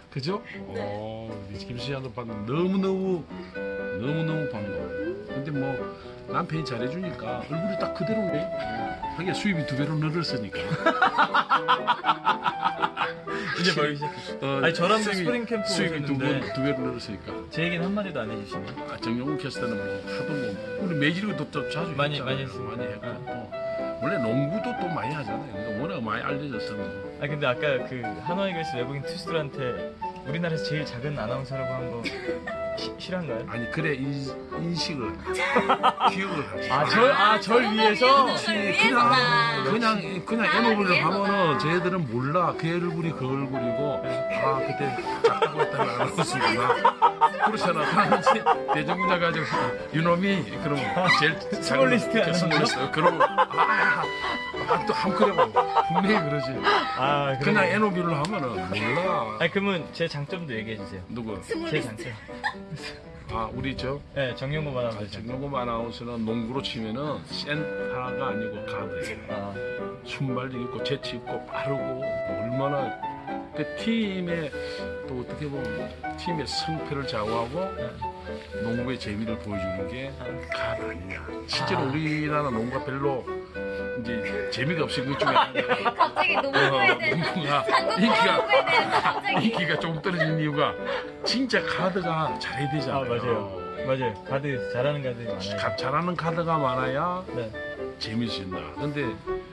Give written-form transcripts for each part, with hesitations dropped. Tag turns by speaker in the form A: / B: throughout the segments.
A: 그죠?
B: 네.
A: 우리 김수희 오빠 너무너무 반가워. 근데 뭐 남편이 잘해주니까 얼굴이 딱 그대로네. 하긴 수입이 2배로 늘었으니까.
B: 이제 벌기 시작했어. 아니 저랑 스프링 캠프
A: 수입이
B: 오셨는데
A: 2배로 늘었으니까.
B: 제 얘기는 한마디도 안 해주시네.
A: 정용훈 캐스터는 뭐 하도 뭐 우리 매질도 또 자주
B: 많이
A: 했잖아요.
B: 했어요.
A: 많이 했고 또 원래 농구도 또 많이 하잖아요. 그러니까 워낙 많이 알려졌어.
B: 아 근데 아까 그 하노이글스 외국인 투수들한테 우리나라에서 제일 작은 아나운서라고 한 거 실한가요?
A: 아니 그래 인식을 기억을 하지.
B: 절 위해서?
A: 그냥 애노블을 하면은 쟤들은 몰라. 그 얼굴이 그 얼굴이고 그때 작다고 했다는 아나운서구나. 그렇잖아. 당시 대중문화 가지고 유놈이 그러면 제일
B: 스몰리스트
A: 스몰리스트 그러고 또 함그려고 분명히 그러지. 그냥 애노블을 하면은 몰라.
B: 아니 그러면 제 장점도 얘기해 주세요.
A: 누구?
B: 제 장점.
A: 우리
B: 네, 정용범 아나운서.
A: 정용범 아나운서는 농구로 치면은 센터가 아니고 가드예요. 순발력 있고 재치 있고 빠르고 얼마나 그 팀의 또 어떻게 보면 팀의 승패를 좌우하고 농구의 재미를 보여주는 게 가드 아니냐. 실제로 우리나라 농구가 별로 이제 재미가 없이 그 중에
C: 갑자기 농구에 대한
A: 인기가 좀 떨어진 이유가 진짜 가드가 잘해야 되잖아요.
B: 맞아요. 가드 잘하는 가드 많아요.
A: 잘하는 가드가 많아야
B: 네.
A: 재밌어진다. 근데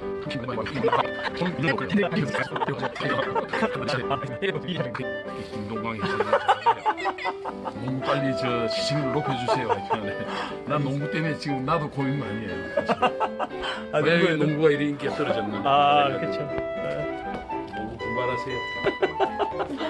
A: 김동광이 농구 빨리 저 시청률 높여주세요. 난 농구 때문에 지금 나도 고민 많이 해요. 왜 농구가 이렇게 인기가 떨어졌는지.
B: 그렇죠.
A: 농구 분발하세요.